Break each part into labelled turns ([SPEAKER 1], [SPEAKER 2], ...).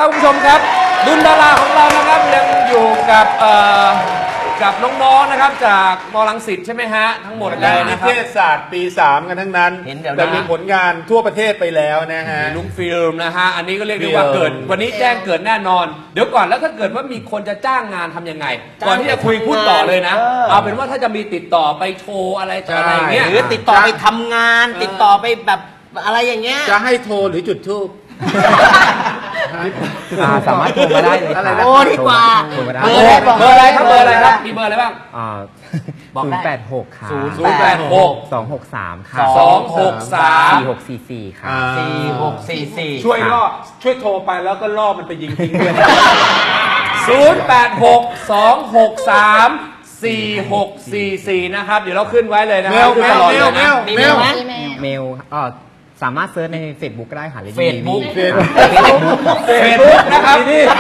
[SPEAKER 1] ครับคุณผู้ชมครับดุลดาราของเรานะครับยังอยู่กับน้องๆนะครับจากม.รังสิตใช่ไหมฮะทั้งหมดเลยนะครับ
[SPEAKER 2] นิเทศศาสตร์ปี 3 กันทั้งนั้นแต่มีผลงานทั่วประเทศไปแล้วนะฮะ
[SPEAKER 1] ลุงฟิล์มนะฮะอันนี้ก็เรียกได้ว่าเกิดวันนี้แจ้งเกิดแน่นอนเดี๋ยวก่อนแล้วถ้าเกิดว่ามีคนจะจ้างงานทำยังไงก่อนที่จะคุยพูดต่อเลยนะเอาเป็นว่าถ้าจะมีติดต่อไปโชว์อะไรต่ออะไรเงี้ย
[SPEAKER 3] หรือติดต่อไปทำงานติดต่อไปแบบอะไรอย่างเงี้ย
[SPEAKER 2] จะให้โทรหรือจุดธูป
[SPEAKER 4] สามารถโทรมาได้เลย
[SPEAKER 3] โทรดีกว่า
[SPEAKER 1] เบอร์อะไรครับเบอร์อะไรครับมีเบอร์อะไรบ้าง
[SPEAKER 4] 086ค่ะ
[SPEAKER 1] 086
[SPEAKER 4] 263ค่ะ
[SPEAKER 1] 263
[SPEAKER 4] 4644ค่ะ
[SPEAKER 3] 4644
[SPEAKER 2] ช่วยโทรไปแล้วก็ล่อมันไปยิงทิ้งด้วย
[SPEAKER 1] 086 263 4644นะครับเดี๋ยวเราขึ้นไว้เลยนะครับ
[SPEAKER 2] เมล
[SPEAKER 4] สามารถเซิร์ชใน Facebook ก็ได้ค่ะ
[SPEAKER 3] เฟซบุ๊ก
[SPEAKER 1] นะครับ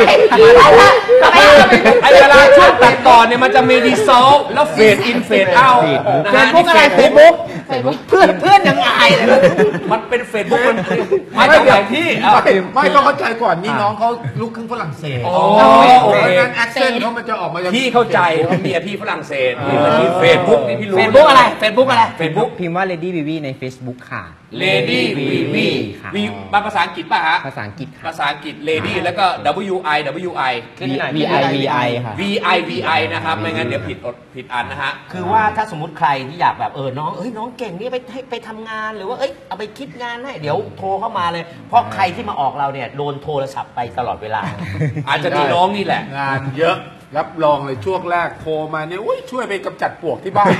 [SPEAKER 1] ไอเวลาช่วงตัดต่อเนี่ยมันจะมีดีโซลแล้วเฟดอินเฟดเอา
[SPEAKER 3] เฟซบุ๊กอะไรเฟซบุ๊กเพื่อนยังอายเลย
[SPEAKER 1] มันเป็นเฟซบุ๊กมันไม่ใช่ที่
[SPEAKER 2] ไม่ต้องเข้าใจก่อนนี่น้องเขาลูกครึ่งฝรั่งเศสเพราะงั้นแอคเซนต์เขามันจะออกมา
[SPEAKER 1] พี่เข้าใจเมียพี่ฝรั่งเศสนี่เฟซบุ๊กนี่พี่รู้
[SPEAKER 3] เฟซบุ๊กอะไรเฟซบุ๊ก
[SPEAKER 4] พิมพ์ว่า Lady Vivi ใน Facebook ค่ะ
[SPEAKER 1] Lady Vivi มีภาษาอังกฤษป่ะฮะ
[SPEAKER 4] ภาษาอังกฤษค่ะ
[SPEAKER 1] ภาษาอังกฤษ Lady แล้วก็ WIWI
[SPEAKER 4] VI ค่ะ
[SPEAKER 1] VI นะครับไม่งั้นเดี๋ยวผิดอันนะฮะ
[SPEAKER 3] คือว่าถ้าสมมติใครที่อยากแบบน้องเก่งนี่ไปทำงานหรือว่าเอาไปคิดงานให้เดี๋ยวโทรเข้ามาเลยเพราะใครที่มาออกเราเนี่ยโดนโทรศัพท์ไปตลอดเวลา
[SPEAKER 1] อาจจะมีน้องนี่แหละ
[SPEAKER 2] งานเยอะรับรองเลยช่วงแรกโทรมาเนี่ยช่วยไปกำจัดปลวกที่บ้าน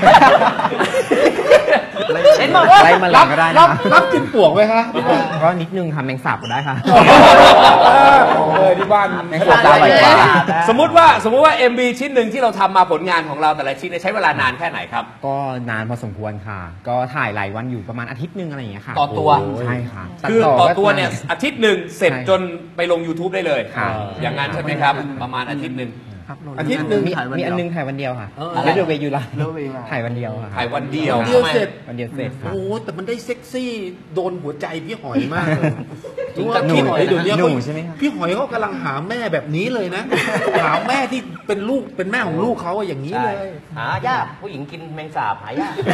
[SPEAKER 3] เห็นบอกว่า
[SPEAKER 2] รับกินปลวกไหมคะ
[SPEAKER 4] ก็นิดนึงค่ะแมงสาบก็ได้ค่ะ
[SPEAKER 2] ที่บ้าน
[SPEAKER 4] แมงสาบได้กว่า
[SPEAKER 1] สมมุติว่า MV ชิ้นหนึ่งที่เราทำมาผลงานของเราแต่ละชิ้นใช้เวลานานแค่ไหนครับ
[SPEAKER 4] ก็นานพอสมควรค่ะก็ถ่ายหลายวันอยู่ประมาณอาทิตย์นึงอะไรอย่างเงี้ยค่ะ
[SPEAKER 1] ต่อตัว
[SPEAKER 4] ใช่ค่ะ
[SPEAKER 1] คือต่อตัวเนี่ยอาทิตย์หนึ่งเสร็จจนไปลง YouTube ได้เลยอย่างนั้นใช่ไหมครับประมาณอาทิตย์หนึ่ง
[SPEAKER 2] อาทิตย์หนึ่ง
[SPEAKER 4] มีอันนึงถ่ายวันเดียวค่ะแล้วเดี๋ยวเวยูไลถ่ายวันเดียวค่ะ
[SPEAKER 1] ถ่ายวันเดียว
[SPEAKER 2] เสร็จ
[SPEAKER 4] วันเดียวเสร็จ
[SPEAKER 2] โอ้แต่มันได้เซ็กซี่โดนหัวใจพี่หอยมาก
[SPEAKER 4] หนูใช่ไหมครับ
[SPEAKER 2] พี่หอยเขากำลังหาแม่แบบนี้เลยนะหาแม่ที่เป็นลูกเป็นแม่ของลูกเขาอย่างนี้เลย
[SPEAKER 3] หายากผู้หญิงกินแมงสาบหายาก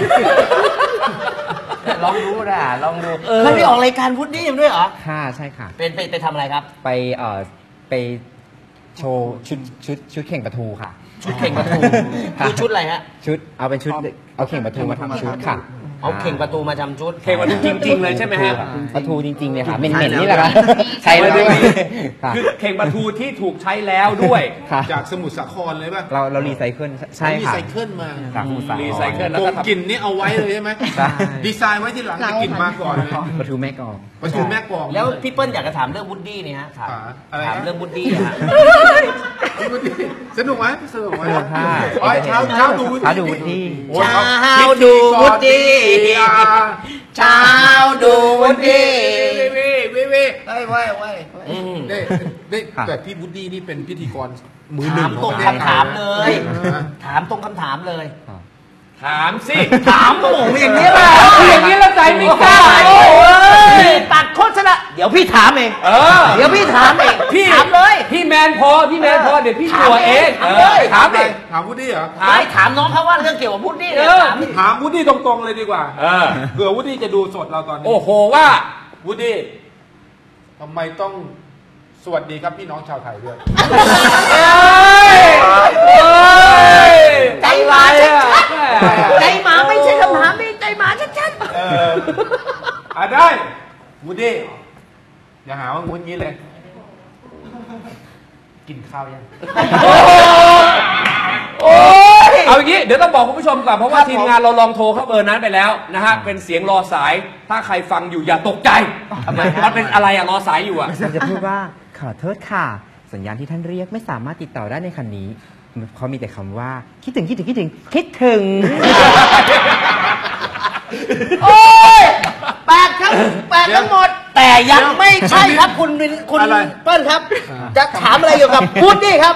[SPEAKER 3] ลองดูนะลองดูเคยไปออกรายการพุดดี้ด้วยเหรอ
[SPEAKER 4] ค่ะใช่ค่ะ
[SPEAKER 3] ไปทำอะไรครับ
[SPEAKER 4] ไปโชว์ชุดเข่งปลาทูค่ะ
[SPEAKER 3] ชุดเข่งปลาทูคือชุดอะไรฮะ
[SPEAKER 4] ชุดเอาเป็นชุดเอาเข่งปลาทูมาทำชุดค่ะ
[SPEAKER 3] เอาเข่งปลาทูมาทำชุด
[SPEAKER 1] เข่งปลาทูจริงๆเลยใช่ไหมฮะ
[SPEAKER 4] ปลาทูจริงๆเลยค่ะเหม็นๆนี่แหละค่ะ
[SPEAKER 1] ใช่เลยคือเข่งปลาทูที่ถูกใช้แล้วด้วย
[SPEAKER 2] จากสมุทรสาครเลยป่ะ
[SPEAKER 4] เรารีไซเคิลใช่ค่ะ
[SPEAKER 2] รีไซเคิลมา
[SPEAKER 4] จากสมุทรสาคร
[SPEAKER 1] รีไซเคิลแล้ว
[SPEAKER 2] ก็กลิ่นนี่เอาไว้เลยใช่ไหมดีไซน์ไว้ที่หลังจะกลิ่นมาก่อนเลย
[SPEAKER 4] ปลาทูแม่กอง
[SPEAKER 2] ปลาทูแม่กอง
[SPEAKER 3] แล้วพี่เปิ้ลอยากจะถามเรื่องวูดดี้นี่ฮะถามเรื่องวูดดี้ฮะ
[SPEAKER 2] สนุกไหมสนุกไหมเช้าดูวูดดี้
[SPEAKER 3] เช้าดูวูดดี้เช้าดูวูดดี้
[SPEAKER 2] ว้แต่พี่วูดดี้นี่เป็นพิธีกรมือหนึ่ง
[SPEAKER 3] ถามตรงคำถามเลยถามตรงคำถามเลย
[SPEAKER 1] ถามสิ
[SPEAKER 3] ถามโอ้โหอย่างนี้ล่ะ
[SPEAKER 1] อย่างนี้แล้วใจไม่กล้า
[SPEAKER 3] ตัดโฆษณาเดี๋ยวพี่ถามเองเดี๋ยวพี่ถามเอง
[SPEAKER 1] พี่
[SPEAKER 3] ถามเลย
[SPEAKER 1] พี่แมนพอเดี๋ยวพี่ตัวเองถามดิ
[SPEAKER 2] ถามวูดดี้เหรอ
[SPEAKER 3] ไม่ถามน้องเขาว่าเรื่องเกี่ยวกับวูดดี้
[SPEAKER 2] ถามวูดดี้ตรงๆเลยดีกว่าเผื่อวูดดี้จะดูสดเราตอนนี้
[SPEAKER 1] โอ้โหว่า
[SPEAKER 2] วูดดี้ทำไมต้องสวัสดีครับพี่น้องชาวไทยด้วย
[SPEAKER 3] ใจหมาชัดๆใจหมาไม่ใช่คำถามนี่ใจหมาชัด
[SPEAKER 2] ๆได้วูดดี้อย่าหาว่างูงี้เลยกินข้าวยัง
[SPEAKER 1] เอาอย่างนี้เดี๋ยวต้องบอกคุณผู้ชมก่อนเพราะว่าทีมงานเราลองโทรเข้าเบอร์นั้นไปแล้วนะฮะเป็นเสียงรอสายถ้าใครฟังอยู่อย่าตกใจมันเป็นอะไรรอสายอยู่
[SPEAKER 4] จะพูดว่าขอโทษค่ะสัญญาณที่ท่านเรียกไม่สามารถติดต่อได้ในคันนี้เขามีแต่คำว่าคิดถึง
[SPEAKER 3] โอ้ยแปดทั้งหมดแต่ยังไม่ใช่ครับคุณเปิ้ลครับจะถามอะไรเกี่ยวกับวูดดี้ครับ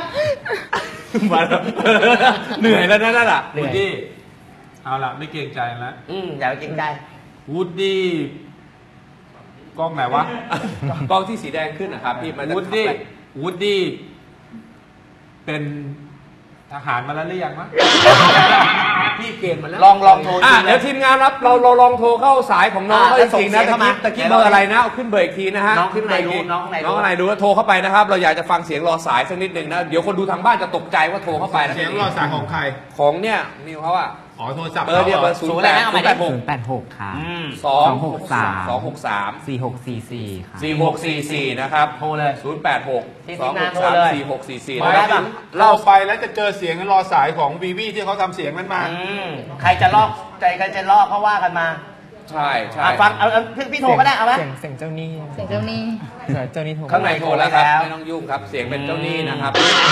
[SPEAKER 1] เหนื่อยแล้วนั่นน่ะ
[SPEAKER 2] วูดดี้เอาล่ะไม่เกรงใจแล้ว
[SPEAKER 3] อย่าเกรงใจ
[SPEAKER 2] วูดดี้กล้องไหนวะ
[SPEAKER 1] กล้องที่สีแดงขึ้นนะครับพี่
[SPEAKER 2] วูดดี้วูดดี้เป็นทหารมาแล้วหรือยังวะ
[SPEAKER 1] พี่เกณฑ์มาแล้ว
[SPEAKER 3] ลองโทร
[SPEAKER 1] เดี๋ยวทีมงานรับเราลองโทรเข้าสายของน้องเขาจริงๆนะตะกี้เบอร์อะไรนะเอาขึ้นเบอร์อีกทีนะฮะ
[SPEAKER 3] น้องข้างในรู้น้องข้างในรู้
[SPEAKER 1] น้องข้างในรู้ว่าโทรเข้าไปนะครับ เราอยากจะฟังเสียงรอสายสักนิดหนึ่งนะเดี๋ยวคนดูทางบ้านจะตกใจว่าโทรเข้าไปนะ
[SPEAKER 2] เสียงรอสายของใคร
[SPEAKER 1] ของเนี่ยนิวเขาอะ
[SPEAKER 2] อ๋อโทรศัพท์
[SPEAKER 1] เบอร์เนี่ยเบอร์
[SPEAKER 3] ศูนย์อะไรนะเอาใหม่ดิ
[SPEAKER 4] 086 ค่ะ
[SPEAKER 1] 263
[SPEAKER 4] 4644 ค่ะ
[SPEAKER 1] 4644นะครับ
[SPEAKER 3] โทรเลย
[SPEAKER 1] 086
[SPEAKER 3] ที่ทีมงานโทรเลย
[SPEAKER 1] 263
[SPEAKER 2] ไม่
[SPEAKER 1] 4644นะครับ
[SPEAKER 2] เราไปแล้วจะเจอเสียงรอสายของวีวีที่เขาทำเสียงนั้นมา
[SPEAKER 3] ใครจะลอกใจใครจะลอกเขาว่ากันมา
[SPEAKER 1] ใช่ใช่
[SPEAKER 3] ฟังเอาพี่โทรก็ได้เอาไหม
[SPEAKER 4] เสียงเจ้าหนี้
[SPEAKER 5] เสียงเจ้าหนี้
[SPEAKER 4] เจ้าหนี้โทร
[SPEAKER 1] ข้างในโทรแล้วครับ
[SPEAKER 3] แล้ว
[SPEAKER 1] ไม่ต้องยุ่งครับเสียงเป็นเจ้าหนี้นะครับ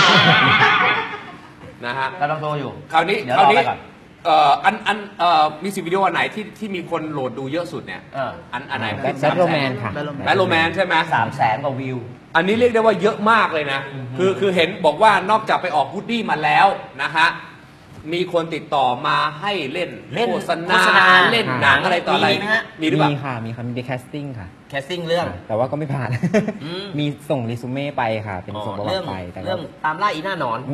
[SPEAKER 1] นะฮะ
[SPEAKER 3] เราต้องโทรอยู่
[SPEAKER 1] คราวนี้
[SPEAKER 3] เดี๋ยวรอไปก่อน
[SPEAKER 1] มิวสิกวิดีโออันไหนที่มีคนโหลดดูเยอะสุดเนี่ย อันไหน
[SPEAKER 4] แบทโรแมนค่ะ
[SPEAKER 1] แบทโรแมนใช่ไหม
[SPEAKER 3] 300,000 กว่าวิว
[SPEAKER 1] อันนี้เรียกได้ว่าเยอะมากเลยนะ คือเห็นบอกว่านอกจากไปออกวูดดี้มาแล้วนะฮะ มีคนติดต่อมาให้เล่น
[SPEAKER 3] เล่น
[SPEAKER 1] โฆษ
[SPEAKER 3] โฆษณา
[SPEAKER 1] ณาเล่นหนังอะไรต่ออะไร
[SPEAKER 3] มีไหมฮะ
[SPEAKER 1] มีหรือเปล่า
[SPEAKER 4] มีค่ะ มีค่ะมีแคสติ้งค่ะ
[SPEAKER 3] แคสติ้งเรื่อง
[SPEAKER 4] แต่ว่าก็ไม่ผ่าน
[SPEAKER 3] อืม
[SPEAKER 4] มีส่งรีซูเม่ไปค่ะ เป็นส่งประวั
[SPEAKER 3] เรื่
[SPEAKER 4] ติไปแต่ก็
[SPEAKER 3] เรื่องตามล่าอีหน้าหนอน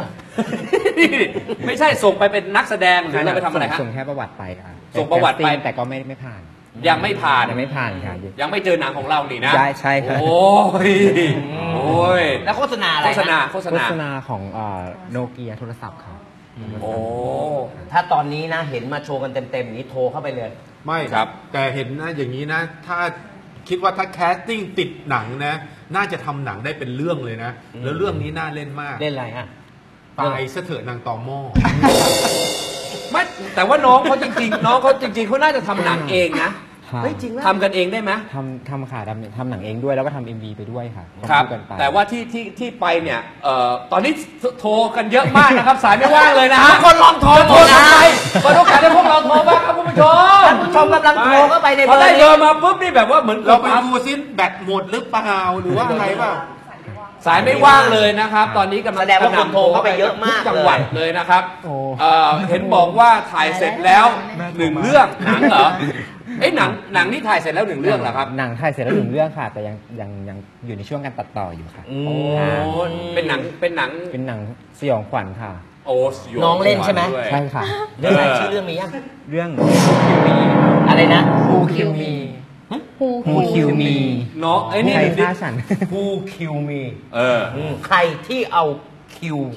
[SPEAKER 1] ไม่ใช่ส่งไปเป็นนักแสดงหรือเราไปทำอะไรฮะ
[SPEAKER 4] ส่งแค่ประวัติไปค่ะ
[SPEAKER 1] ส่งประวัติไป
[SPEAKER 4] แคสติ้งแต่ก็ไม่ผ่าน
[SPEAKER 1] ยังไม่ผ่าน
[SPEAKER 4] ยังไม่ผ่านค่ะ
[SPEAKER 1] ยังไม่เจอหนังของเรานี่นะ
[SPEAKER 4] ใช่ครับ
[SPEAKER 1] โอ้ยโอ้ย
[SPEAKER 3] แล้วโฆษณาอะไร
[SPEAKER 1] โฆษณา
[SPEAKER 3] นะ
[SPEAKER 1] โฆษ
[SPEAKER 4] โฆ
[SPEAKER 1] ณา
[SPEAKER 4] ษณาของโนเกียโทรศัพท์ค่ะ
[SPEAKER 1] โอ้
[SPEAKER 3] ถ้าตอนนี้นะเห็นมาโชว์กันเต็มๆอย่างนี้โทรเข้าไปเลย
[SPEAKER 2] ไม่
[SPEAKER 1] ครับ
[SPEAKER 2] แต่เห็นนะอย่างนี้นะ ถ้าคิดว่าถ้าแคสติ้งติดหนังนะ น่าจะทำหนังได้เป็นเรื่องเลยนะ แล้วเรื่องนี้น่าเล่นมาก
[SPEAKER 3] เล่นอะไรฮะ
[SPEAKER 2] ตายซะเถอะนางตอหม้อ
[SPEAKER 1] ไม่แต่ว่าน้องเขาจริงๆ น้องเขาจริงๆเขาน่าจะทำหนังเองนะ
[SPEAKER 3] เฮ้ยจริงไหม
[SPEAKER 1] ทำกันเองได้ไหม
[SPEAKER 4] ทำค่ะทำหนังเองด้วยแล้วก็ทำ MV ไปด้วยค่ะ
[SPEAKER 1] ครับ
[SPEAKER 4] วกันไป
[SPEAKER 1] แต่ว่าที่ไปเนี่ยตอนนี้โทรกันเยอะมากนะครับ สายไม่ว่างเลยนะฮะ
[SPEAKER 3] ทุกคนลองโทร
[SPEAKER 1] จะโทรทำไมเปิดโอกาสให้พวกเราโทรบ้างครับคุณผู้ชม
[SPEAKER 3] ท่านผู้ชมกำลังโทรเข้าไปใน
[SPEAKER 1] พอ
[SPEAKER 3] เบอ
[SPEAKER 1] ได้
[SPEAKER 3] ร์
[SPEAKER 1] เบอ
[SPEAKER 3] นี้
[SPEAKER 1] ร์มาปุ๊บนี่แบบว่าเหมือน
[SPEAKER 2] เราไปดูซิแบตหมดหรือเปล่าหรือว่าอะไรเปล่า
[SPEAKER 1] สายไม่ว่างเลยนะครับ ตอนนี้กำลัง
[SPEAKER 3] แสดงว่าคนโทรเข้าไปเยอะมาก
[SPEAKER 1] ทุจังหวัดเลยนะครับ
[SPEAKER 4] โอ้
[SPEAKER 1] เห็นบอกว่าถ่ายเสร็จแล้วหนึ่งเรื่องหนังเหรอเอ้ยหนังนี่ถ่ายเสร็จแล้วหนึ่งเรื่องเหรอครับ
[SPEAKER 4] หนังถ่ายเสร็จแล้วหนึ่งเรื่องค่ะ แต่ยังอยู่ในช่วงการตัดต่ออยู่ค่ะ
[SPEAKER 1] โอ้เป็นหนัง
[SPEAKER 4] เป็นหนังสยองขวัญค่ะ
[SPEAKER 1] โอ้สย
[SPEAKER 3] น้องเล่นใช่ไหม
[SPEAKER 1] ด้วย
[SPEAKER 4] ใช่ค่ะ
[SPEAKER 3] เรื่องอะไรชื่อเรื่องมียัง
[SPEAKER 4] เรื่อง
[SPEAKER 3] อะไรนะ
[SPEAKER 4] Who Kill Me
[SPEAKER 5] ฮู
[SPEAKER 4] Who Kill Me
[SPEAKER 1] น้องไอ้นี่
[SPEAKER 4] ใครฆ่าฉัน
[SPEAKER 3] Who Kill Me
[SPEAKER 1] เ
[SPEAKER 3] ใครที่เอาคิว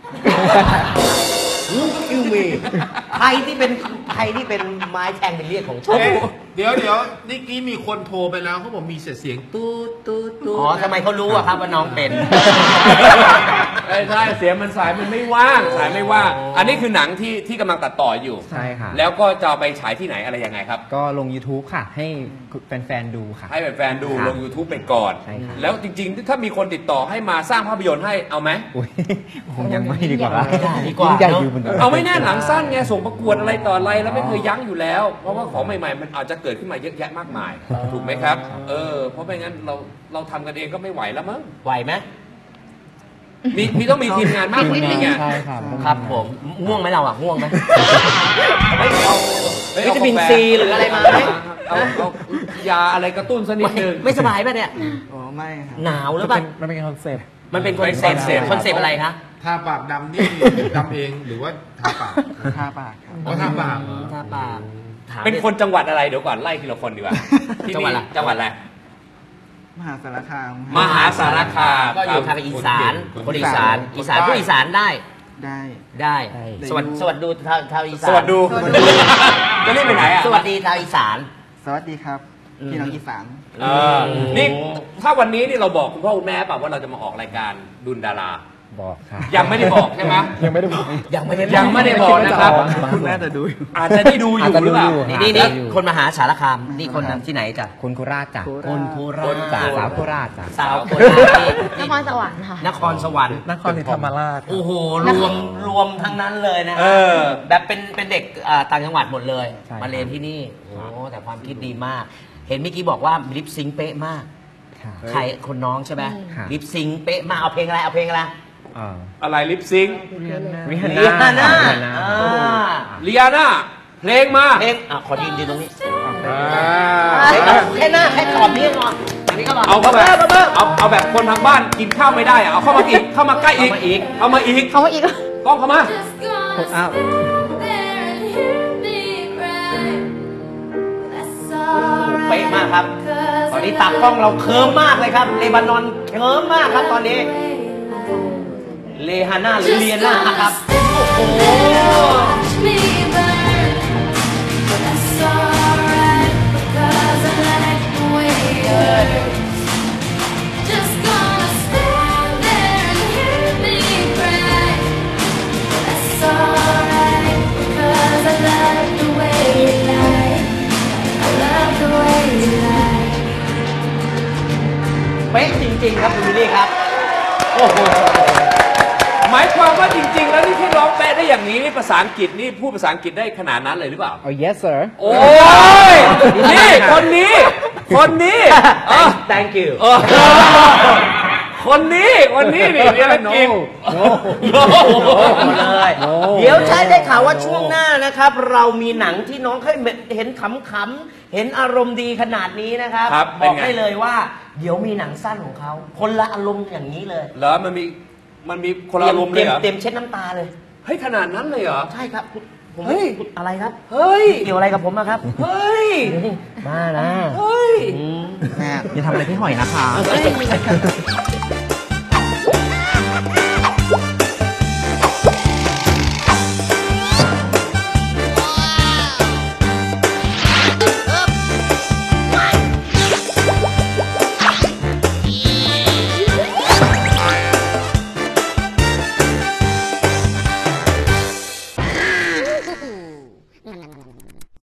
[SPEAKER 3] Who Kill Me ใครที่เป็นไม้แทงเป็นเรียกของฉัน
[SPEAKER 2] เอ๊ะเดี๋ยวนี่กี้มีคนโทรไปแล้วเขาบอกมีเสียงตูดตูดตูด
[SPEAKER 3] อ๋อทำไมเขารู้อะครับว่าน้องเป็น
[SPEAKER 1] ใช่เสียงมันสายมันไม่ว่างสายไม่ว่าง อันนี้คือหนังที่กำลังตัดต่ออยู่
[SPEAKER 4] ใช่ค่ะ
[SPEAKER 1] แล้วก็จะเอาไปฉายที่ไหนอะไรยังไงครับ
[SPEAKER 4] ก็ลง YouTube ค่ะ ให้แฟนๆดูค่ะ
[SPEAKER 1] ให้แฟนๆดู
[SPEAKER 4] ครับ
[SPEAKER 1] ลง YouTube ไปก่อน
[SPEAKER 4] ใช่ครับ
[SPEAKER 1] แล้วจริงๆ ถ้ามีคนติดต่อให้มาสร้างภาพยนตร์ให้เอาไหม
[SPEAKER 4] อุ๊ยคงยังไม่ดีกว่า
[SPEAKER 3] ดีกว่า
[SPEAKER 4] ยิ่งใหญ่อยู่บน
[SPEAKER 1] เอาไม่แน่หนังสั้นไงส่งประกวดอะไรต่ออะไรแล้วไม่เคยยั้งอยู่แล้ว เพราะว่าของใหม่ๆ มันอาจจะเกิดขึ้นมาเยอะแยะมากมาย ถูกไหมครับ เพราะไม่งั้นเราทำกันเองก็ไม่ไหวแล้วมั้ง
[SPEAKER 3] ไหวไหม
[SPEAKER 1] มีต้องมีทีมงานมากกว่านี้ไง
[SPEAKER 4] ใช่ครับ
[SPEAKER 3] ครับผมง่วงไหมเราอะง่วงไหม
[SPEAKER 1] เฮ้ย
[SPEAKER 3] วิตามินซีหรืออะไรมาไหม
[SPEAKER 1] เอายาอะไรกระตุ้นสักนิดนึง
[SPEAKER 3] ไม่สบายป่ะเนี่ย
[SPEAKER 4] อ๋อไม่ครับ
[SPEAKER 3] หนาวหรือเปล่า
[SPEAKER 4] มันเป็นคอนเซ็ปต์
[SPEAKER 3] มันเป็นคอนเซ็ปต์
[SPEAKER 1] เป็น
[SPEAKER 3] คอนเซ็ปต์อะไรคะ
[SPEAKER 2] ทาปากดำนี่ดำเองหรือว่าทาปาก
[SPEAKER 4] ทาปากครับ
[SPEAKER 2] อ๋อทาปากเหรอ
[SPEAKER 3] ทาปากถาม
[SPEAKER 1] เป็นคนจังหวัดอะไรเดี๋ยวก่อนไล่ทีละคนดีกว่าที่
[SPEAKER 3] จังหวัดอะไร
[SPEAKER 1] จังหวัดอะไร
[SPEAKER 4] มหาสารคาม
[SPEAKER 1] มหาสารคาม
[SPEAKER 3] ก็อยู่ทางอีสานคนอีสานผู้อีสานได้
[SPEAKER 4] ได้
[SPEAKER 3] ได้
[SPEAKER 4] ได้
[SPEAKER 3] สวัสดีชาวอีสาน
[SPEAKER 1] สวัสดีจะรีบไปไหนอ่ะ
[SPEAKER 3] สวัสดีชาวอีสาน
[SPEAKER 4] สวัสดีครับ พี่น้องอีสาน
[SPEAKER 1] นี่ถ้าวันนี้นี่เราบอกคุณพ่อคุณแม่เปล่าว่าเราจะมาออกรายการดุลดารา
[SPEAKER 4] บอกค่ะ
[SPEAKER 1] ยังไม่ได้บอกใช่ไหม
[SPEAKER 4] ยังไม่ได้บอก
[SPEAKER 3] ยังไม่ได้
[SPEAKER 1] ยังไม่ได้บอกนะครับ
[SPEAKER 4] คุณแม่จะดูอยู่
[SPEAKER 1] อาจจะได้ดูอยู่หรือเปล่า
[SPEAKER 3] นี่คนมหาสารคามนี่คนที่ไหนจ้ะ
[SPEAKER 4] คนโคราชจ้ะ
[SPEAKER 3] คนโคราช
[SPEAKER 4] จ้ะสาวโคราชจ้ะ
[SPEAKER 3] สาวโคราช
[SPEAKER 5] นครสวรรค์ค่ะ
[SPEAKER 3] นครสวรรค์
[SPEAKER 4] นครศรีธรรมราช
[SPEAKER 3] โอ้โหรวมทั้งนั้นเลยนะ
[SPEAKER 1] เออ
[SPEAKER 3] แบบเป็นเด็กต่างจังหวัดหมดเลย
[SPEAKER 4] ใช่
[SPEAKER 3] มาเรียนที่นี่โอ้แต่ความคิดดีมาก เห็นเมื่อกี้บอกว่าลิปซิงค์เป๊ะมาก
[SPEAKER 4] ค่ะ
[SPEAKER 3] ใครคนน้องใช่ไหม
[SPEAKER 4] ค่ะ
[SPEAKER 3] ลิปซิงค์เป๊ะมากเอาเพลงอะไรเอาเพลงอะไร
[SPEAKER 1] อะไรลิปซิง
[SPEAKER 4] ริฮัน
[SPEAKER 3] ริฮาน่า
[SPEAKER 4] น่า
[SPEAKER 1] เลียนาเพลงมา
[SPEAKER 3] เพลงขอยืนตรงนี้
[SPEAKER 4] โอเค
[SPEAKER 3] แค่หน้าแค่ตอบนี้ก่อนอันนี้ก็บอก
[SPEAKER 1] เอาเข้าแบบเอาแบบคนทางบ้านกินข้าวไม่ได้อะเอาเข้ามาอีกเข้ามาใกล้อีกเข้ามาอีก
[SPEAKER 5] เขาว่าอีก
[SPEAKER 1] กล้องเข้ามา
[SPEAKER 4] อ้าว
[SPEAKER 3] เป๊ะมากครับ ตอนนี้ตากล้องเราเคิร์มมากเลยครับ เลบานอนเคิร์มมากครับตอนนี้ เลฮาน่าหรือเลียน่าครับ โอ้โห เป๊ะจริง ๆ ครับคุณวิลลี่ครับ โอ้โห
[SPEAKER 1] หมายความว่าจริง ๆ แล้วนี่ที่ร้องแปะได้อย่างนี้นี่ภาษาอังกฤษนี่พูดภาษาอังกฤษได้ขนาดนั้นเลยหรือเปล่า
[SPEAKER 4] oh yes sir
[SPEAKER 1] โอ้ยนี่คนนี้เออ
[SPEAKER 3] thank you
[SPEAKER 1] เออคนนี้นี่เรียนจริง
[SPEAKER 3] เลย เดี๋ยวใช้ได้ข่าวว่าช่วงหน้านะครับ เรามีหนังที่น้องเคยเห็นขำๆเห็นอารมณ์ดีขนาดนี้นะครับ
[SPEAKER 1] ครับ
[SPEAKER 3] บ
[SPEAKER 1] เป็น
[SPEAKER 3] อก
[SPEAKER 1] ไง
[SPEAKER 3] ได้เลยว่า เดี๋ยวมีหนังสั้นของเขาคนละอารมณ์อย่างนี้เลย
[SPEAKER 1] เหรอมันมีคนละอารมณ์เลยเหรอ
[SPEAKER 3] เต็มเช็ดน้ำตาเลย
[SPEAKER 1] เฮ้ยขนาดนั้นเลยเหรอ
[SPEAKER 3] ใช่ครับผม
[SPEAKER 1] เฮ้ย
[SPEAKER 3] อะไรครับ
[SPEAKER 1] เฮ้ย
[SPEAKER 3] เกี่ยวอะไรกับผมนะครับ
[SPEAKER 1] เฮ้ย
[SPEAKER 3] มานะ
[SPEAKER 1] เฮ้ย
[SPEAKER 3] อืม
[SPEAKER 4] อย่าทำอะไรพี่หอยนะคะ